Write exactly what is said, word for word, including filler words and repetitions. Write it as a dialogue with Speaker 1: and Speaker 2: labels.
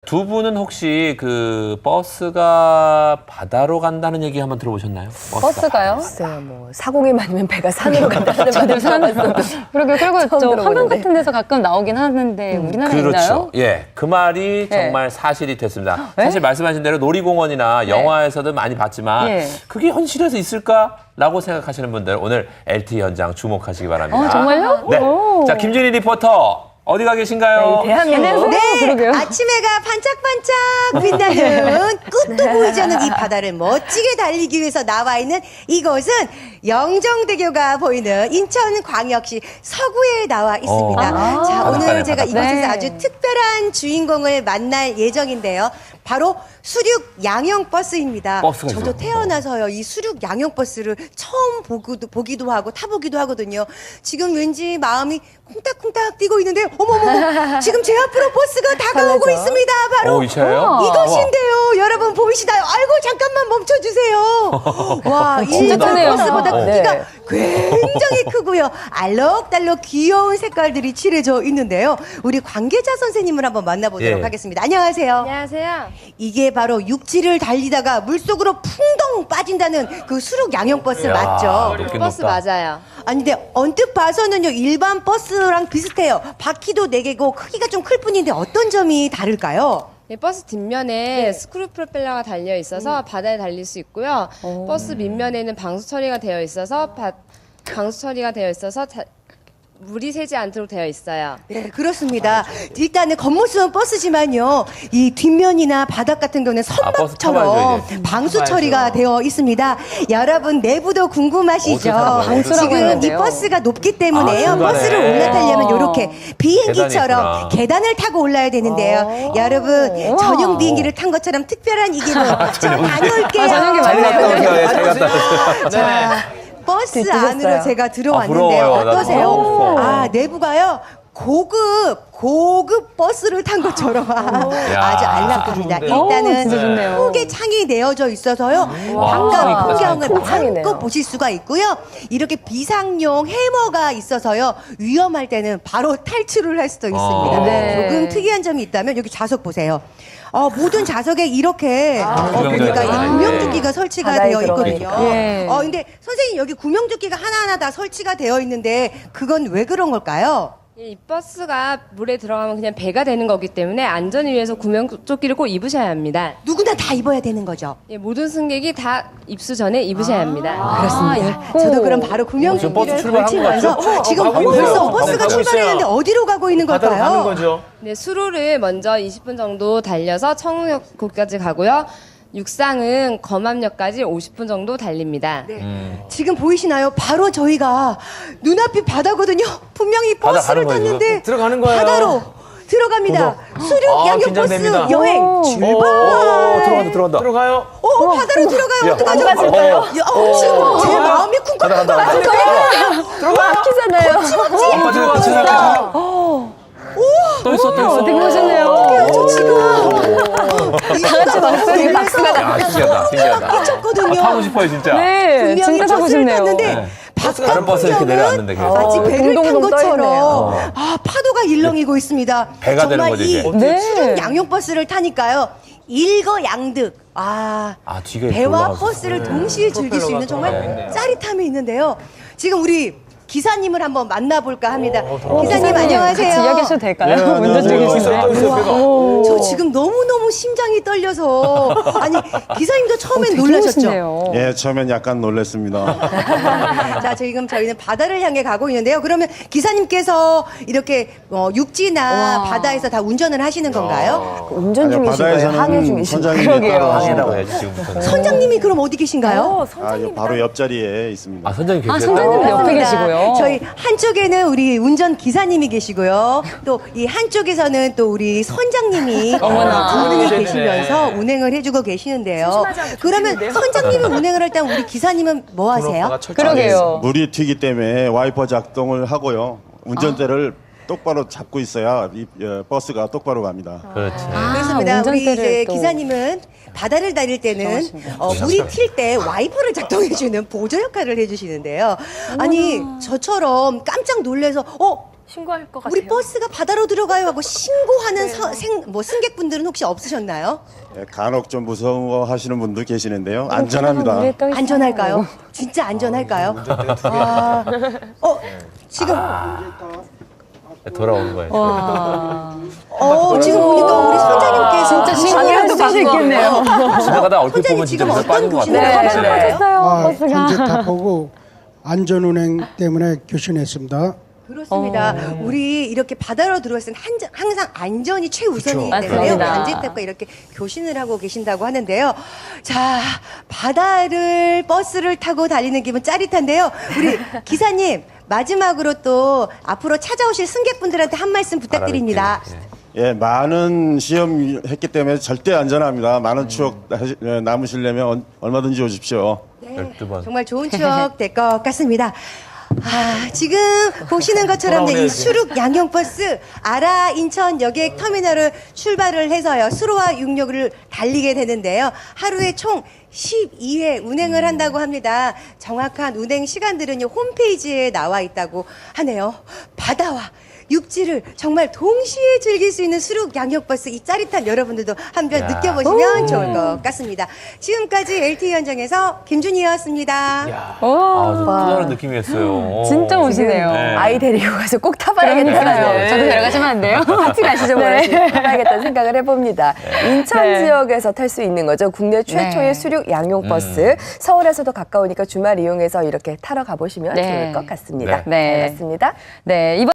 Speaker 1: 두 분은 혹시 그 버스가 바다로 간다는 얘기 한번 들어보셨나요? 버스가
Speaker 2: 버스가요?
Speaker 3: 글쎄요, 뭐 사공이 많으면 배가 산으로 간다는 말을 들어봤어요.
Speaker 2: 그러게 그리고 저 화면
Speaker 3: 들어보는데.
Speaker 2: 같은 데서 가끔 나오긴 하는데 우리나라에 있나요?
Speaker 1: 그렇죠. 예, 그 말이
Speaker 2: 네.
Speaker 1: 정말 사실이 됐습니다.
Speaker 2: 네?
Speaker 1: 사실 말씀하신 대로 놀이공원이나 영화에서도 많이 봤지만
Speaker 2: 네.
Speaker 1: 그게 현실에서 있을까라고 생각하시는 분들 오늘 엘티이 현장 주목하시기 바랍니다.
Speaker 2: 어, 정말요?
Speaker 1: 네.
Speaker 2: 오.
Speaker 1: 자, 김준희 리포터 어디 가 계신가요?
Speaker 3: 대한민국.
Speaker 2: 네, 그러게요.
Speaker 4: 아침 해가 반짝반짝 빛나는 끝도 보이지 않는 이 바다를 멋지게 달리기 위해서 나와 있는 이곳은 영종대교가 보이는 인천광역시 서구에 나와 있습니다.
Speaker 1: 아.
Speaker 4: 자, 오늘
Speaker 1: 바닷가네,
Speaker 4: 제가
Speaker 1: 바닷가.
Speaker 4: 이곳에서
Speaker 2: 네.
Speaker 4: 아주 특별한 주인공을 만날 예정인데요. 바로 수륙 양형버스입니다.
Speaker 1: 버스가
Speaker 4: 저도
Speaker 1: 있어요.
Speaker 4: 태어나서요, 이 수륙 양형버스를 처음 보기도, 보기도 하고 타보기도 하거든요. 지금 왠지 마음이 콩닥콩닥 뛰고 있는데, 어머머머, 지금 제 앞으로 버스가 다가오고
Speaker 3: 설레죠?
Speaker 4: 있습니다. 바로
Speaker 1: 오, 이 차예요?
Speaker 2: 우와.
Speaker 4: 이것인데요. 여러분 보이시나요? 아이고, 잠깐만 멈춰주세요. 와,
Speaker 2: 진짜
Speaker 4: 일반
Speaker 2: 크네요.
Speaker 4: 버스보다
Speaker 1: 어.
Speaker 4: 크기가
Speaker 3: 네.
Speaker 4: 굉장히 크고요. 알록달록 귀여운 색깔들이 칠해져 있는데요. 우리 관계자 선생님을 한번 만나보도록
Speaker 1: 예.
Speaker 4: 하겠습니다. 안녕하세요.
Speaker 5: 안녕하세요.
Speaker 4: 이게 바로 육지를 달리다가 물속으로 풍덩 빠진다는 그 수륙 양형버스
Speaker 1: 야,
Speaker 4: 맞죠?
Speaker 1: 높긴
Speaker 5: 버스
Speaker 1: 높다.
Speaker 5: 맞아요.
Speaker 4: 아니 근데 언뜻 봐서는요 일반 버스랑 비슷해요. 바퀴도 네 개고 크기가 좀 클 뿐인데 어떤 점이 다를까요?
Speaker 5: 네, 버스 뒷면에 스크류 프로펠러가 달려 있어서 바다에 달릴 수 있고요. 버스 밑면에는 방수 처리가 되어 있어서 바, 방수 처리가 되어 있어서 자, 물이 새지 않도록 되어 있어요.
Speaker 4: 네, 그렇습니다. 일단은 겉모습은 버스지만요, 이 뒷면이나 바닥 같은 경우는
Speaker 1: 아, 버스
Speaker 4: 선박처럼
Speaker 1: 타봐야죠, 이제.
Speaker 4: 방수
Speaker 1: 타봐야죠.
Speaker 4: 처리가 되어 있습니다. 여러분 내부도 궁금하시죠?
Speaker 1: 어떻게 타는 거예요?
Speaker 2: 방수라고
Speaker 4: 지금 이
Speaker 2: 했는데요.
Speaker 4: 버스가 높기
Speaker 1: 아,
Speaker 4: 때문에요.
Speaker 1: 중간에.
Speaker 4: 버스를 올라타려면 이렇게
Speaker 1: 계단이
Speaker 4: 비행기처럼
Speaker 1: 있구나.
Speaker 4: 계단을 타고 올라야 되는데요. 여러분
Speaker 2: 우와.
Speaker 4: 전용 비행기를 탄 것처럼 특별한 이 기분 자 다녀올게요.
Speaker 2: 아, 전용기
Speaker 1: 잘
Speaker 2: 맞네요.
Speaker 1: 갔다 오세요. 예, 잘 갔다 오세요.
Speaker 4: 자, 버스
Speaker 3: 뒤집었어요.
Speaker 4: 안으로 제가
Speaker 1: 아,
Speaker 4: 들어왔는데요.
Speaker 1: 부러워요. 나도
Speaker 4: 어떠세요?
Speaker 1: 부러워.
Speaker 4: 아, 내부가요. 고급, 고급 버스를 탄 것처럼 아주 안락합니다.
Speaker 2: 오,
Speaker 4: 일단은
Speaker 2: 진짜 좋네요.
Speaker 4: 크게 창이 내어져 있어서요.
Speaker 1: 와,
Speaker 4: 바깥
Speaker 1: 창이 크다,
Speaker 4: 풍경을
Speaker 3: 큰 창이네요.
Speaker 4: 마음껏 보실 수가 있고요. 이렇게 비상용 해머가 있어서요. 위험할 때는 바로 탈출을 할 수도 있습니다.
Speaker 1: 아.
Speaker 2: 네.
Speaker 4: 조금 특이한 점이 있다면 여기 좌석 보세요. 어, 모든 좌석에 이렇게 어, 보니까 이
Speaker 1: 구명조끼가
Speaker 4: 구명조끼가 설치가
Speaker 3: 바다에
Speaker 4: 되어
Speaker 3: 들어가
Speaker 4: 있거든요.
Speaker 3: 있고.
Speaker 2: 예.
Speaker 4: 어, 근데 선생님 여기 구명조끼가 하나하나 다 설치가 되어 있는데 그건 왜 그런 걸까요?
Speaker 5: 이 버스가 물에 들어가면 그냥 배가 되는 거기 때문에 안전을 위해서 구명조끼를 꼭 입으셔야 합니다.
Speaker 4: 누구나 다 입어야 되는 거죠.
Speaker 5: 예, 모든 승객이 다 입수 전에 입으셔야 합니다.
Speaker 4: 그렇습니다.
Speaker 2: 입고.
Speaker 4: 저도 그럼 바로
Speaker 1: 지금 버스
Speaker 4: 구명조끼를
Speaker 1: 출발한 것
Speaker 4: 걸치면서
Speaker 1: 같죠?
Speaker 4: 지금
Speaker 1: 어, 가고
Speaker 4: 벌써
Speaker 1: 있어요.
Speaker 4: 버스가
Speaker 1: 가고
Speaker 4: 출발했는데 어디로 가고 있는
Speaker 6: 바다로
Speaker 4: 걸까요?
Speaker 6: 가는 거죠.
Speaker 5: 네, 수로를 먼저 이십 분 정도 달려서 청우역까지 가고요. 육상은 검암역까지 오십 분 정도 달립니다.
Speaker 4: 네.
Speaker 1: 음.
Speaker 4: 지금 보이시나요? 바로 저희가 눈앞이 바다거든요. 분명히
Speaker 1: 바다
Speaker 4: 버스를
Speaker 1: 가는 거예요,
Speaker 4: 탔는데
Speaker 6: 들어가는 거예요.
Speaker 4: 바다로 들어갑니다. 수륙
Speaker 6: 아,
Speaker 4: 양형 버스
Speaker 6: 긴장됩니다.
Speaker 4: 여행
Speaker 1: 오,
Speaker 4: 출발.
Speaker 1: 들어간다, 들어간다.
Speaker 6: 들어가요.
Speaker 4: 어, 바다로 들어가요. 어떡하죠?
Speaker 1: 안 빠질까요?
Speaker 4: 야, 어, 지금 제 마음이 쿵쾅
Speaker 1: 간다, 간다, 간다.
Speaker 3: 막히잖아요.
Speaker 6: 안 빠지는 거 지나가죠.
Speaker 1: 또 있어, 또 있어.
Speaker 2: 되게 멋있네요.
Speaker 4: 저 지금
Speaker 2: 다 같이 박수를 박수가
Speaker 1: 야, 신기하다, 신기하다.
Speaker 4: 미쳤거든요.
Speaker 1: 아, 타고 싶어요, 진짜.
Speaker 2: 네,
Speaker 4: 분명히
Speaker 2: 진짜 타고
Speaker 4: 버스를
Speaker 2: 싶네요.
Speaker 4: 탔는데
Speaker 1: 네.
Speaker 4: 바깥
Speaker 1: 다른 버스 이렇게
Speaker 4: 풍경은
Speaker 1: 내려왔는데 계속.
Speaker 4: 마치
Speaker 3: 어,
Speaker 4: 배를 탄
Speaker 3: 동동동
Speaker 4: 것처럼
Speaker 3: 떠있네요.
Speaker 4: 아 파도가 일렁이고 있습니다.
Speaker 1: 배가 되는
Speaker 4: 정말
Speaker 1: 거죠,
Speaker 4: 이
Speaker 1: 이제.
Speaker 2: 네.
Speaker 4: 수륙 양용 버스를 타니까요. 일거양득. 아,
Speaker 1: 아, 뒤가 이렇게
Speaker 4: 배와
Speaker 1: 올라가서.
Speaker 4: 버스를 동시에 즐길 수 있는 정말 짜릿함이 있는데요. 지금 우리 기사님을 한번 만나볼까 합니다. 기사님 안녕하세요.
Speaker 2: 같이 이야기하셔도 될까요?
Speaker 6: 네,
Speaker 2: 운전
Speaker 6: 네,
Speaker 2: 중이신데.
Speaker 6: 네, 네, 네.
Speaker 4: 우와, 저 지금 너무너무 심장이 떨려서 아니 기사님도 처음엔
Speaker 2: 되게
Speaker 4: 놀라셨죠?
Speaker 2: 멋있네요.
Speaker 7: 예, 처음엔 약간 놀랐습니다.
Speaker 4: 자, 지금 저희는 바다를 향해 가고 있는데요. 그러면 기사님께서 이렇게 어, 육지나
Speaker 2: 와.
Speaker 4: 바다에서 다 운전을 하시는 건가요?
Speaker 3: 운전
Speaker 7: 아니요,
Speaker 3: 중이신 거예요? 항해
Speaker 7: 바다에서는
Speaker 3: 중이신 거예요?
Speaker 7: 선장님이
Speaker 2: 그러게요.
Speaker 7: 따로
Speaker 1: 방해라고
Speaker 7: 하시고,
Speaker 1: 해야지, 지금부터.
Speaker 4: 선장님이 그럼 어디 계신가요?
Speaker 7: 아, 요 바로 옆자리에 있습니다.
Speaker 1: 아, 선장님 계세요?
Speaker 2: 아, 선장님 옆에
Speaker 4: 맞습니다.
Speaker 2: 계시고요.
Speaker 4: 저희 한쪽에는 우리 운전 기사님이 계시고요. 또 이 한쪽에서는 또 우리 선장님이
Speaker 2: 어머나.
Speaker 4: 두 분이
Speaker 6: 아,
Speaker 4: 계시면서 운행을 해주고 계시는데요. 그러면 선장님이 운행을 할 때 우리 기사님은 뭐 하세요?
Speaker 2: 그러게요.
Speaker 7: 물이 튀기 때문에 와이퍼 작동을 하고요. 운전대를 똑바로 잡고 있어야 이 어, 버스가 똑바로 갑니다.
Speaker 1: 그렇지.
Speaker 4: 그렇습니다. 우리
Speaker 2: 운전대를
Speaker 4: 이제
Speaker 2: 또.
Speaker 4: 기사님은 바다를 다닐 때는 어, 물이 튈 때 와이퍼를 작동해주는 보조 역할을 해주시는데요. 아니 저처럼 깜짝 놀래서 어
Speaker 3: 신고할 것 같아요.
Speaker 4: 우리 버스가 바다로 들어가요 하고 신고하는 서, 생, 뭐 승객분들은 혹시 없으셨나요?
Speaker 7: 예, 간혹 좀 무서워하시는 분도 계시는데요. 안전합니다.
Speaker 4: 안전할까요? 진짜 안전할까요? 아, 어, 지금
Speaker 1: 돌아오는 거예요.
Speaker 4: 어, 지금 보니까 우리 손자님께서
Speaker 2: 진짜 신고할 수도 있겠네요.
Speaker 1: 지나가다 얼핏
Speaker 4: 손자님
Speaker 1: 보면 진짜
Speaker 4: 지금
Speaker 1: 물에
Speaker 4: 어떤
Speaker 1: 빠진 것
Speaker 4: 교신을
Speaker 1: 같아요.
Speaker 4: 하고 계신가요?
Speaker 8: 아,
Speaker 2: 버스가.
Speaker 8: 현재 타보고 안전운행 때문에 교신했습니다.
Speaker 4: 그렇습니다. 우리 이렇게 바다로 들어왔을 때 한- 항상 안전이 최우선이기
Speaker 2: 그쵸.
Speaker 4: 때문에요.
Speaker 2: 맞습니다.
Speaker 4: 안전탑과 이렇게 교신을 하고 계신다고 하는데요. 자, 바다를 버스를 타고 달리는 기분 짜릿한데요. 우리 기사님 마지막으로 또 앞으로 찾아오실 승객분들한테 한 말씀 부탁드립니다.
Speaker 1: 예.
Speaker 7: 예, 많은 시험 했기 때문에 절대 안전합니다. 많은 추억 하시- 예, 남으시려면 언- 얼마든지 오십시오.
Speaker 1: 열두 번.
Speaker 4: 정말 좋은 추억 될 것 같습니다. 아, 지금 보시는 것처럼 이 수륙 양용버스 아라 인천 여객 터미널을 출발을 해서요. 수로와 육로를 달리게 되는데요. 하루에 총 십이 회 운행을 한다고 합니다. 정확한 운행 시간들은요. 홈페이지에 나와 있다고 하네요. 바다와 육지를 정말 동시에 즐길 수 있는 수륙 양역버스 이 짜릿한 여러분들도 한번
Speaker 1: 야.
Speaker 4: 느껴보시면 좋을 것 같습니다. 지금까지 엘티이 현장에서 김준희였습니다.
Speaker 1: 아, 좀 또 다른 느낌이었어요.
Speaker 2: 진짜 멋지네요.
Speaker 1: 네.
Speaker 3: 아이 데리고 가서 꼭 타봐야겠다는
Speaker 2: 그러니까요. 저도 데려가시면 안 돼요?
Speaker 3: 같이 가시죠. 뭐
Speaker 2: 네.
Speaker 3: 타봐야겠다는 생각을 해봅니다. 인천
Speaker 2: 네.
Speaker 3: 지역에서 탈 수 있는 거죠. 국내 최초의
Speaker 2: 네.
Speaker 3: 수륙 양용 버스. 서울에서도 가까우니까 주말 이용해서 이렇게 타러 가보시면
Speaker 2: 네.
Speaker 3: 좋을 것 같습니다.
Speaker 2: 네.
Speaker 3: 잘 봤습니다.
Speaker 2: 네, 이번